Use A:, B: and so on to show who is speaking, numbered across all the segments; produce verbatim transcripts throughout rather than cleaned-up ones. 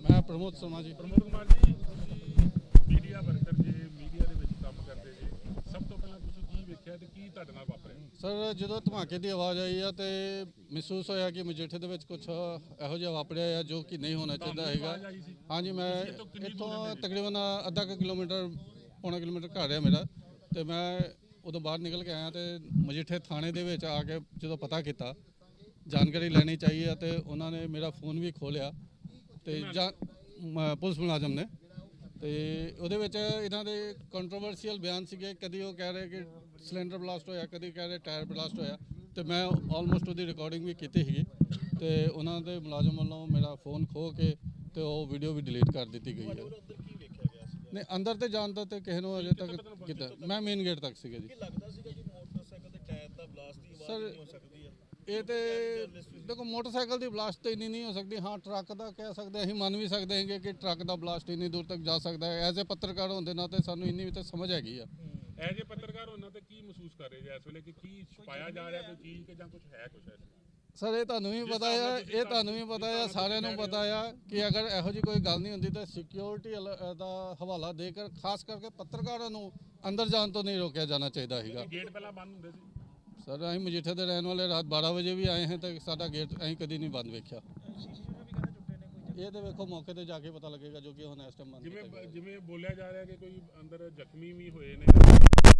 A: मैं Pramod Sharma ji.
B: Pramod Kumar ji, media worker जे media ਦੇ ਵਿੱਚ ਕੰਮ ਕਰਦੇ ਜੇ, ਸਭ ਤੋਂ ਪਹਿਲਾਂ ਤੁਸੀਂ ਕੀ ਵੇਖਿਆ ਤੇ ਕੀ ਤੁਹਾਡੇ ਨਾਲ ਵਾਪਰਿਆ?
A: ਸਰ ਜਦੋਂ ਧਮਾਕੇ ਦੀ ਆਵਾਜ਼ ਆਈ ਆ ਤੇ ਮਹਿਸੂਸ ਹੋਇਆ ਕਿ ਮਜੀਠੇ ਦੇ ਵਿੱਚ ਕੁਝ ਇਹੋ ਜਿਹਾ ਵਾਪਰਿਆ ਆ ਜੋ ਕਿ ਨਹੀਂ ਹੋਣਾ ਚਾਹੀਦਾ ਹੈਗਾ। ਹਾਂਜੀ, ਮੈਂ ਇੱਥੋਂ ਤਕਰੀਬਨ ਅੱਧਾ ਕੁ ਕਿਲੋਮੀਟਰ ਪੌਣਾ ਕਿਲੋਮੀਟਰ ਘਰ ਆ ਮੇਰਾ, ਤੇ ਮੈਂ ਉਦੋਂ ਬਾਹਰ ਨਿਕਲ ਕੇ ਆਇਆ ਤੇ ਮਜੀਠੇ ਥਾਣੇ ਦੇ ਵਿੱਚ ਆ ਕੇ ਜਦੋਂ ਪਤਾ ਕੀਤਾ, ਜਾਣਕਾਰੀ ਲੈਣੀ ਚਾਹੀਏ, ਤੇ ਉਹਨਾਂ ਨੇ ਮੇਰਾ ਫੋਨ ਵੀ ਖੋਲਿਆ ਤੇ ਜਾਂ ਪੁਲਿਸ ਮੁਲਾਜ਼ਮ ਨੇ, ਤੇ ਉਹਦੇ ਵਿੱਚ ਇਹਨਾਂ ਦੇ ਕੰਟਰੋਵਰਸੀਅਲ ਬਿਆਨ ਸੀਗੇ। ਕਦੀ ਉਹ ਕਹਿ ਰਹੇ ਕਿ ਸਿਲੰਡਰ ਬਲਾਸਟ ਹੋਇਆ, ਕਦੀ ਕਹਿ ਰਹੇ ਟਾਇਰ ਬਲਾਸਟ ਹੋਇਆ, ਤੇ ਮੈਂ ਆਲਮੋਸਟ ਉਹਦੀ ਰਿਕਾਰਡਿੰਗ ਵੀ ਕੀਤੀ ਸੀਗੀ, ਤੇ ਉਹਨਾਂ ਦੇ ਮੁਲਾਜ਼ਮ ਵੱਲੋਂ ਮੇਰਾ ਫੋਨ ਖੋਹ ਕੇ ਤੇ ਉਹ ਵੀਡੀਓ ਵੀ ਡਿਲੀਟ ਕਰ ਦਿੱਤੀ ਗਈ ਹੈ। ਨਹੀਂ, ਅੰਦਰ ਤੇ ਜਾਣ ਦਾ ਤੇ ਕਿਸੇ ਨੂੰ ਅਜੇ ਤੱਕ ਕੀਤਾ, ਮੈਂ ਮੇਨ ਗੇਟ ਤੱਕ ਸੀਗਾ ਜੀ। ਸਰ ਇਹ ਤੇ ਦੇਖੋ, ਮੋਟਰਸਾਈਕਲ ਦੀ ਬਲਾਸਟ ਤਾਂ ਇੰਨੀ ਨਹੀਂ ਹੋ ਸਕਦੀ। ਹਾਂ, ਟਰੱਕ ਦਾ ਕਹਿ ਸਕਦੇ, ਅਸੀਂ ਮੰਨ ਵੀ ਸਕਦੇ ਹੈਗੇ ਕਿ ਟਰੱਕ ਦਾ ਬਲਾਸਟ ਇੰਨੀ ਦੂਰ ਤੱਕ ਜਾ ਸਕਦਾ ਹੈ। ਐਜ਼ ਏ ਪੱਤਰਕਾਰ ਹੋਣ ਦੇ ਨਾਤੇ ਸਾਨੂੰ ਇੰਨੀ ਵੀ ਤਾਂ ਸਮਝ ਹੈਗੀ ਆ।
B: ਐਜ਼ ਏ ਪੱਤਰਕਾਰ ਉਹਨਾਂ ਤੇ ਕੀ ਮਹਿਸੂਸ ਕਰ ਰਹੇ ਜੇ ਇਸ ਵੇਲੇ ਕਿ ਕੀ ਛੁਪਾਇਆ ਜਾ ਰਿਹਾ, ਕੋਈ ਚੀਜ਼ ਕਿ ਜਾਂ ਕੁਝ ਹੈ ਕੁਝ ਹੈ?
A: ਸਰ ਇਹ ਤੁਹਾਨੂੰ ਵੀ ਪਤਾ ਆ, ਇਹ ਤੁਹਾਨੂੰ ਵੀ ਪਤਾ ਆ, ਸਾਰਿਆਂ ਨੂੰ ਪਤਾ ਆ ਕਿ ਅਗਰ ਇਹੋ ਜਿਹੀ ਕੋਈ ਗੱਲ ਨਹੀਂ ਹੁੰਦੀ ਤਾਂ ਸਿਕਿਉਰਿਟੀ ਦਾ ਹਵਾਲਾ ਦੇ ਕੇ ਖਾਸ ਕਰਕੇ ਪੱਤਰਕਾਰਾਂ ਨੂੰ ਅੰਦਰ ਜਾਣ ਤੋਂ ਨਹੀਂ ਰੋਕਿਆ ਜਾਣਾ ਚਾਹੀਦਾ ਸੀਗਾ।
B: ਗੇਟ ਪਹਿਲਾਂ ਬੰਦ ਹੁੰਦੇ ਸੀ
A: ਸਰ, ਅਸੀਂ ਮਜੀਠੇ ਦੇ ਰਹਿਣ ਵਾਲੇ, ਰਾਤ ਬਾਰਾਂ ਵਜੇ ਵੀ ਆਏ ਹਾਂ ਤਾਂ ਸਾਡਾ ਗੇਟ ਅਸੀਂ ਕਦੀ ਨਹੀਂ ਬੰਦ ਵੇਖਿਆ। ਇਹ ਤੇ ਵੇਖੋ ਮੌਕੇ ਤੇ ਜਾ ਕੇ ਪਤਾ ਲੱਗੇਗਾ, ਜੋ ਕਿ ਹੁਣ ਇਸ ਟਾਈਮ ਬੰਦ
B: ਜਿਵੇਂ ਜਿਵੇਂ ਬੋਲਿਆ ਜਾ ਰਿਹਾ ਕਿ ਕੋਈ ਅੰਦਰ ਜ਼ਖਮੀ ਵੀ ਹੋਏ ਨੇ।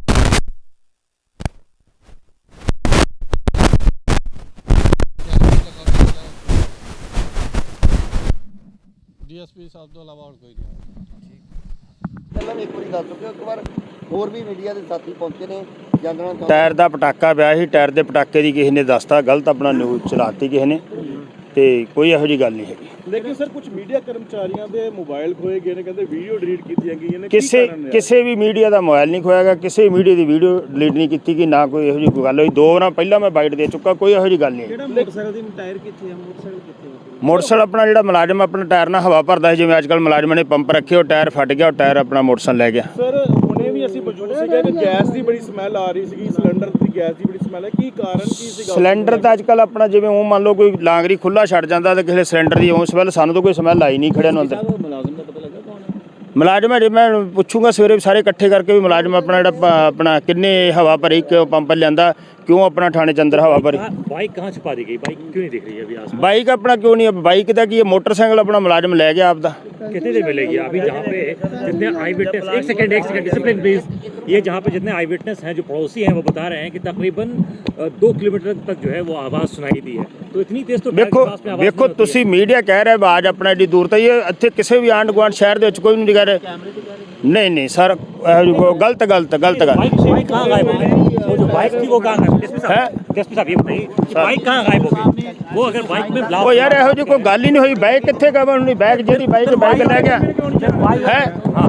A: ਡੀਐਸਪੀ ਸਾਹਿਬ ਤੋਂ ਇਲਾਵਾ ਹੋਰ ਕੋਈ ਨਹੀਂ।
C: ਪਹਿਲਾਂ ਵੀ ਇੱਕ ਵਾਰੀ ਦੱਸ ਚੁੱਕੇ, ਇੱਕ ਵਾਰ ਹੋਰ ਵੀ ਮੀਡੀਆ ਦੇ ਸਾਥੀ ਪਹੁੰਚੇ ਨੇ। ਜਾਣਨਾ
D: ਟਾਇਰ ਦਾ ਪਟਾਕਾ ਪਿਆ ਸੀ, ਟਾਇਰ ਦੇ ਪਟਾਕੇ ਦੀ ਕਿਸੇ ਨੇ ਦੱਸਤਾ, ਗਲਤ ਆਪਣਾ ਨਿਊਜ਼ ਚਲਾਤੀ ਕਿਸੇ ਨੇ, ਤੇ ਕੋਈ ਇਹੋ ਜਿਹੀ ਗੱਲ ਨਹੀਂ ਹੈਗੀ।
E: ਲੇਕਿਨ ਸਰ ਕੁਝ ਮੀਡੀਆ ਕਰਮਚਾਰੀਆਂ ਦੇ ਮੋਬਾਈਲ ਖੋਏ ਗਏ ਨੇ, ਕਹਿੰਦੇ ਵੀਡੀਓ ਡਿਲੀਟ ਕੀਤੀਆਂ ਗਈਆਂ ਨੇ।
D: ਕਿਸੇ ਕਿਸੇ ਵੀ ਮੀਡੀਆ ਦਾ ਮੋਬਾਈਲ ਨਹੀਂ ਖੋਇਆ ਗਿਆ, ਕਿਸੇ ਮੀਡੀਆ ਦੀ ਵੀਡੀਓ ਡਿਲੀਟ ਨਹੀਂ ਕੀਤੀ ਗਈ, ਨਾ ਕੋਈ ਇਹੋ ਜਿਹੀ ਕੋਈ ਗੱਲ ਹੋਈ। ਦੋ ਵਾਰਾਂ ਪਹਿਲਾਂ ਮੈਂ ਬਾਈਟ ਦੇ ਚੁੱਕਾ, ਕੋਈ ਇਹੋ ਜਿਹੀ ਗੱਲ ਨਹੀਂ।
E: ਕਿਹੜਾ ਮੋਟਰਸਾਈਕਲ ਦੀ ਟਾਇਰ ਕਿੱਥੇ ਆ? ਮੋਟਰਸਾਈਕਲ ਕਿੱਥੇ ਆ?
D: ਮੋਟਰਸਾਈਕਲ ਆਪਣਾ ਜਿਹੜਾ ਮੁਲਾਜ਼ਮ ਆਪਣਾ ਟਾਇਰ ਨਾਲ ਹਵਾ ਭਰਦਾ ਸੀ, ਜਿਵੇਂ ਅੱਜ ਕੱਲ੍ਹ ਮੁਲਾਜ਼ਮਾਂ ਨੇ ਪੰਪ ਰੱਖੇ, ਉਹ ਟਾਇਰ ਫਟ ਗਿਆ, ਉਹ ਟਾਇਰ ਆਪਣਾ ਮੋਟਰਸਾਈਕਲ ਲੈ ਗਿਆ।
E: ਸਰ ਹੁਣੇ ਵੀ ਅਸੀਂ ਮੌਜੂਦ ਸੀਗੇ ਕਿ ਗੈਸ ਦੀ ਬੜੀ ਸਮੈਲ ਆ ਰਹੀ ਸੀਗੀ, ਸਿਲੰਡਰ ਦੀ ਗੈਸ ਦੀ ਬੜੀ ਸਮੈਲ ਹੈ, ਕੀ ਕਾਰਨ ਕੀ ਸੀਗਾ?
D: ਸਿਲੰਡਰ ਦਾ ਅੱਜ ਕੱਲ੍ਹ ਆਪਣਾ ਜਿਵੇਂ ਉਹ ਮੰਨ ਲਓ ਕੋਈ ਲਾਂਗਰੀ ਖੁੱਲਾ ਛੱਡ ਜਾਂਦਾ ਤੇ ਕਿਸੇ ਸਿਲੰਡਰ ਦੀ ਉਹ ਸਮੈਲ, ਸਾਨੂੰ ਤਾਂ ਕੋਈ ਸਮੈਲ ਆਈ ਨਹੀਂ ਖੜਿਆ ਨੂੰ ਅੰਦਰ।
E: ਮੁਲਾਜ਼ਮ ਦਾ ਪਤਾ ਲੱਗਾ ਕੌਣ ਹੈ?
D: ਮੁਲਾਜ਼ਮ ਅਜੇ ਮੈਂ ਪੁੱਛੂੰਗਾ ਸਵੇਰੇ ਸਾਰੇ ਇਕੱਠੇ ਕਰਕੇ ਵੀ ਮੁਲਾਜ਼ਮ ਆਪਣਾ ਜਿਹੜਾ ਆਪਣਾ ਕਿੰਨੇ ਹਵਾ ਭਰੀ, ਕਿਉਂ ਪੰਪ ਲਿਆਂਦਾ, क्यों अपना थाने के अंदर हवा भरी?
F: बाइक कहाँ छुपा दी गई? बाइक क्यों नहीं दिख रही है अभी आसपास?
D: बाइक अपना क्यों नहीं है? बाइक का कि मोटरसाइकिल अपना मुलाजिम ले गया आपका।
F: कितनी देर मिलेगी अभी जहाँ पे जितने आई विटनेस, एक सेकंड एक सेकंड डिसिप्लिन प्लीज, ये जहाँ पे जितने आई विटनेस हैं जो पड़ोसी हैं वो बता रहे हैं कि तकरीबन दो किलोमीटर तक जो है वो आवाज़ सुनाई दी है, तो इतनी तेज तो
D: देखो देखो तुसी मीडिया कह रहे आवाज़ अपना एडी दूर तक, ये इत्थे किसी भी आंढ गुआंढ शहर दे कोई नहीं कह रहे। नहीं नहीं सर, गलत गलत गलत गल।
F: बाइक कहाँ गायब हो गई? वो जो बाइक थी वो कहाँ गायब है? डीएसपी साहब ये बताइए, बाइक कहाँ गायब हो गई? वो अगर बाइक में ब्लास्ट,
D: ओ यार ਇਹੋ ਜਿਹੀ ਕੋਈ ਗੱਲ ਹੀ ਨਹੀਂ ਹੋਈ। ਬਾਈਕ ਕਿੱਥੇ ਗਵਾ? ਉਹਨੇ ਬਾਈਕ ਜਿਹੜੀ ਬਾਈਕ ਬਾਈਕ ਲੈ ਗਿਆ ਹੈ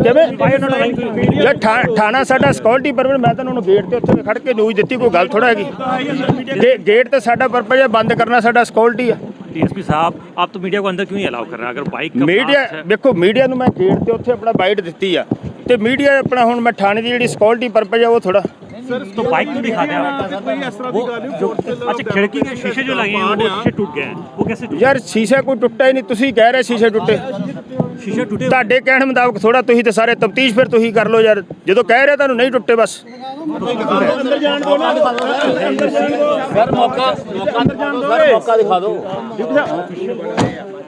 D: ਕਿਵੇਂ? ਯਾਰ ਥਾਣਾ ਸਾਡਾ ਸਿਕਿਉਰਿਟੀ ਪਰਪਸ, ਮੈਂ ਤਾਂ ਉਹਨੂੰ ਗੇਟ ਤੇ ਉੱਥੇ ਖੜ ਕੇ ਨਿਊਜ਼ ਦਿੱਤੀ, ਕੋਈ ਗੱਲ ਥੋੜਾ ਹੈਗੀ। ਗੇਟ ਤੇ ਸਾਡਾ ਪਰਪਸ ਹੈ ਬੰਦ ਕਰਨਾ, ਸਾਡਾ ਸਿਕਿਉਰਿਟੀ ਆ।
F: डीएसपी साहब आप तो मीडिया को अंदर क्यों नहीं अलाउ कर रहे हैं? अगर बाइक का
D: मीडिया देखो, मीडिया ਨੂੰ ਮੈਂ ਗੇਟ ਤੇ ਉੱਥੇ ਆਪਣਾ ਬਾਈਟ ਦਿੱਤੀ ਆ, ਤੇ ਮੀਡੀਆ ਆਪਣਾ ਹੁਣ ਮੈਂ ਥਾਣੇ ਦੀ ਜਿਹੜੀ ਸਿਕਿਉਰਿਟੀ ਪਰਪਸ ਹੈ ਉਹ ਥੋੜਾ
F: तो बाइक क्यों दिखा दें आप? वो जो अच्छा खिड़की के शीशे जो लगे हैं वो शीशे टूट गए हैं, वो कैसे टूटे?
D: यार शीशा कोई टुੱਟਾ ਹੀ ਨਹੀਂ, ਤੁਸੀਂ ਕਹਿ ਰਹੇ शीशे ਟੁੱਟੇ।
F: शीशे टूटे
D: ਤੁਹਾਡੇ ਕਹਿਣ ਮੁਤਾਬਕ ਥੋੜਾ, ਤੁਸੀਂ ਤੇ ਸਾਰੇ ਤਫਤੀਸ਼ ਫਿਰ ਤੁਸੀਂ ਕਰ ਲਓ ਯਾਰ, ਜਦੋਂ ਕਹਿ ਰਹੇ ਤੁਹਾਨੂੰ ਨਹੀਂ ਟੁੱਟੇ ਬਸ।
E: ਅੰਦਰ ਜਾਣ ਦੋ ਨਾ,
C: ਸਰ ਮੌਕਾ ਮੌਕਾ ਅੰਦਰ ਜਾਣ ਦੋ, ਮੌਕਾ ਦਿਖਾ ਦਿਓ।